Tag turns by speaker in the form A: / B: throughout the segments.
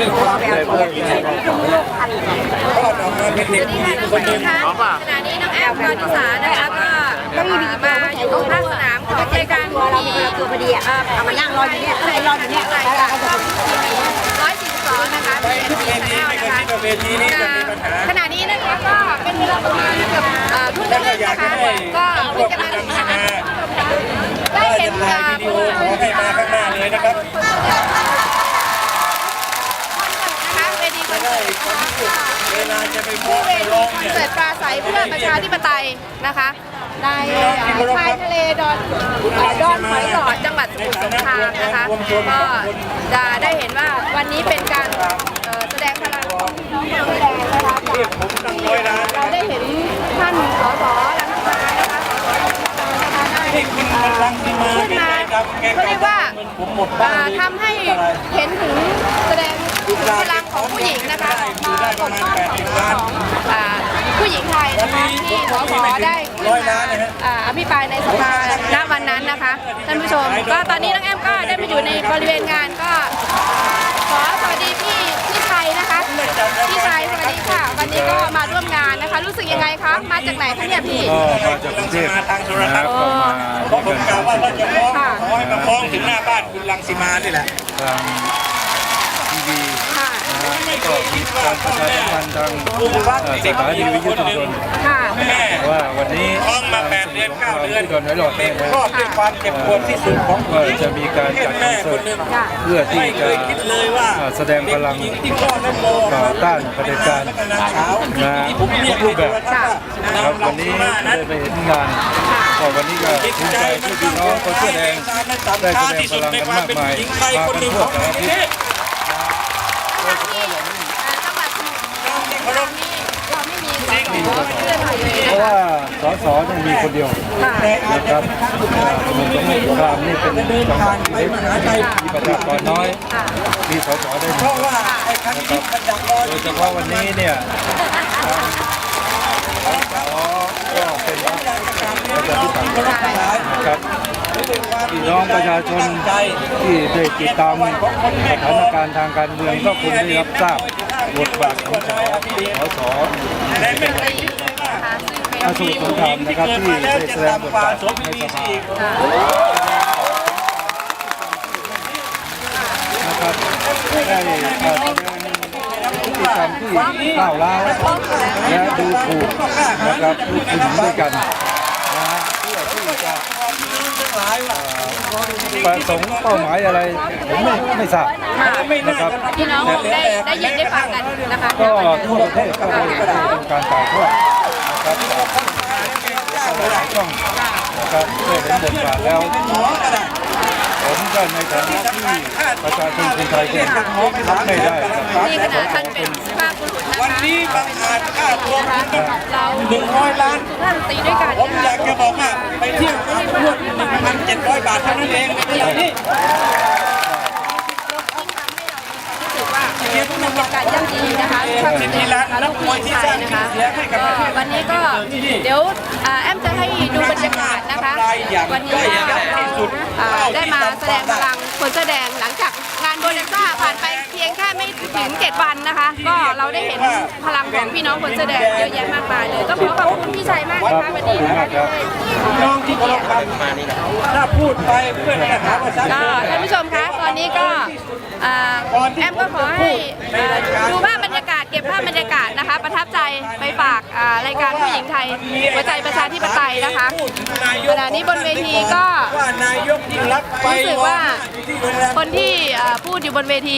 A: ขณะนี้น้องแอมกอนิสานะคะก็มาอยู่ภาคสนามของรายการที่ตัวพอดีเอามานั่งรออยู่เนี่ยรออยู่เนี่ยรายการ142นะคะเป็นทีแนลนะคะขณะนี้นะคะก็เป็นเวลาประมาณเกือบทุ่มครึ่งนะคะก็เพิ่งจะมาถึงนะคะได้เห็นผู้
B: ขอให้มาข้างหน้าเลยนะครับ
A: เวทีคอนเสิร์ต
B: เวลาจะไปพูดไปร้องเนี่ย
A: เสิร์ตปราศัยเพื่อประชาธิปไตยนะคะในชายทะเลดอนหอยหลอดจังหวัดสมุทรสงครามนะคะก็จะได้เห็นว่าวันนี้เป็นการแสดงพลังของพี่น้องคนแดงนะคะเราได้เห็นท่านสสรังสิมานะคะขึ้นมาเขาเรียกว่าทำให้เห็นถึงแสดงพลังของผู้หญิงนะคะปกป้องของผู้หญิงไทยนะคะที่สสได้ขึ้นมาอภิปรายในสภาณวันนั้นนะคะท่านผู้ชมก็ตอนนี้น้องแอมก็ได้มาอยู่ในบริเวณงานก็ขอสวัสดีพี่ชัยนะคะพี่ชัยสวัสดีค่ะวันนี้ก็มาร่วมงานนะคะรู้สึกยังไงคะมาจากไหนคะเนี่ยพี่
C: ก็มาจากกรุงเทพนะครับก็มา
B: เพราะผมกล่าวว่าเราจะฟ้องขอให้มาฟ้องถึงหน้าบ้านคุณรังสีมานี่แหละ
C: ทางทีวีก็มีการประชาสัมพันธ์ทางสถานีวิทยุชุมชนว่าวันนี้
B: ท้องมา8 เดือน 9 เดือน
C: ที่โดนไว้หลอดเนี่ย
B: ครอบด้วยความเจ็บปวดที่สุดของ
C: ก็จะมีการจัดคอนเสิร์ตเพื่อที่จะแสดงพลังต่อต้านเผด็จการทุกรูปแบบครับวันนี้ได้ไปเห็นงานก็วันนี้ก็ภูมิใจที่พี่น้องคนเสื้อแดงได้แสดงพลังกันมากมายมากันทั่วประเทศเพราะว่าสสเนี่ยมีคนเดียวนะครับสมุทรสงครามนี่เป็นจังหวัดเล็กมีประชากรน้อยมีสสได้น้อยนะครับโดยเฉพาะวันนี้เนี่ยสสก็เป็นประชาธิปัตย์นะครับพี่น้องประชาชนที่ได้ติดตามสถานการณ์ทางการเมืองก็คงได้รับทราบบทบาทของสสอาสูรสงครามนะครับที่ได้แสดงบทบาทในสภานะครับได้แสดงพฤติกรรมที่ก้าวร้าวและดูถูกนะครับผู้หญิงด้วยกันเพื่อที่จะประสงค์เป้าหมายอะไรผมไม่ทราบนะครับ
A: พี่น้องได้ยินได้ฟังกันนะคะ
C: ก็ทั่วประเทศก็เป็นการถ่ายทอดนะครับหลายช่องนะครับเพื่อเห็นบทบาทแล้วผมก็ในฐานะที่ประชาชนคนไทยก็รับไม่ได้
A: นี่ขนาดท่านเป็นสุภาพบุรุษนะคะ
B: วันนี้บางอาจค่าตัว
A: เรา
B: 100 ล้าน
A: ท่านตีด้วยกัน
B: ผมอยากจะบอกว่าไปเที่ยวรวม1,700 บาทเท่านั้นเองในเรื่องนี้
A: บรรยากาศย่ำดีนะคะความสุขนะคะลูกผู้ชายนะคะวันนี้ก็เดี๋ยวแอมจะให้ดูบรรยากาศนะคะวันนี้เราได้มาแสดงพลังคนเสื้อแดงหลังจากงานโบนัสซ่าผ่านไปเพียงแค่ไม่ถึง7 วันนะคะก็เราได้เห็นพลังของพี่น้องคนเสื้อแดงเยอะแยะมากมายเลยต้องขอขอบคุณพี่ชัยมากนะคะวันนี้นะคะ
B: น้องที่เคารพครับถ้าพูดไปเพื่อนจะหาว่า
A: ก็ท่านผู้ชมคะตอนนี้ก็แอมก็ขอให้ดูภาพบรรยากาศเก็บภาพบรรยากาศนะคะประทับใจไปฝากรายการผู้หญิงไทยหัวใจประชาธิปไตยนะคะขณะนี้บนเวทีก็รู้สึกว่าคนที่พูดอยู่บนเวที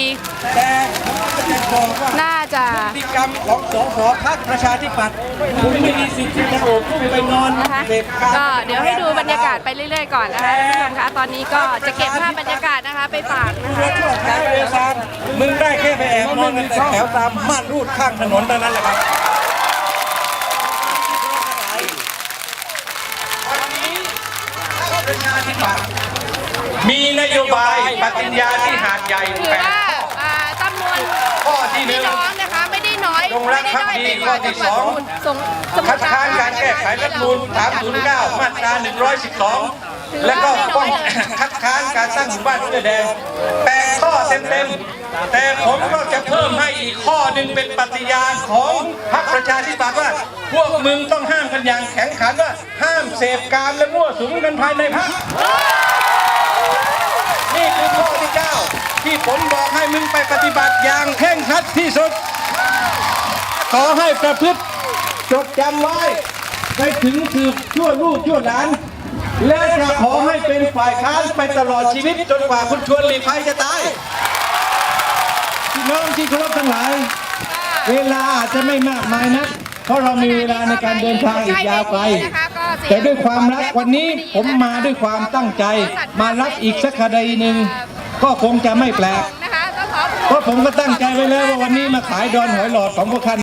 A: น่าจะ
B: พฤติกรรมของสสพรรคประชาธิปัตย์คุณไม่มีสิทธิ์ที่จะโอบไปนอน
A: นะคะก็เดี๋ยวให้ดูบรรยากาศไปเรื่อยๆก่อนนะคะท่านผู้ชมคะตอนนี้ก็จะเก็บภาพบรรยากาศนะคะไปฝากนะคะ
B: มึงได้แค่ไปแอบนอนแต่แถวตามม่านรูดข้างถนนเท่านั้นแหละครับมีนโยบายปฏิญญาที่หาดใหญ่
A: ถือว่าจำนวนพี่น้องนะคะไม่ได้น้อยไม่ได้ด้อยไปกว่าจังหวัด
B: คัดค้านการแก้ไขรัฐธรรมนูญ309 มาตรา 112 และก็คัดค้านการสร้างหมู่บ้านเสื้อแดง8 ข้อเต็มๆแต่ผมก็จะเพิ่มอีกข้อหนึ่งเป็นปฏิญาณของพรรคประชาธิปัตย์ว่าพวกมึงต้องห้ามกันอย่างแข็งขันว่าห้ามเสพกามและมั่วสุมกันภายในพรรคนี่คือข้อที่ 9 ที่ผมบอกให้มึงไปปฏิบัติอย่างเคร่งครัดที่สุดขอให้ประพฤติจดจำไว้ไปถึงสืบชั่วลูกชั่วหลานและจะขอให้เป็นฝ่ายค้านไปตลอดชีวิตจนกว่าคุณชวนหลีกภัยจะตายพี่น้องที่เคารพทั้งหลายเวลาอาจจะไม่มากมายนักเพราะเรามีเวลาในการเดินทางอีกยาวไกลแต่ด้วยความรักวันนี้ผมมาด้วยความตั้งใจมารับอีกสักคดีหนึ่งก็คงจะไม่แปลกเพราะผมก็ตั้งใจไว้แล้วว่าวันนี้มาขายดอนหอยหลอดของพวกท่าน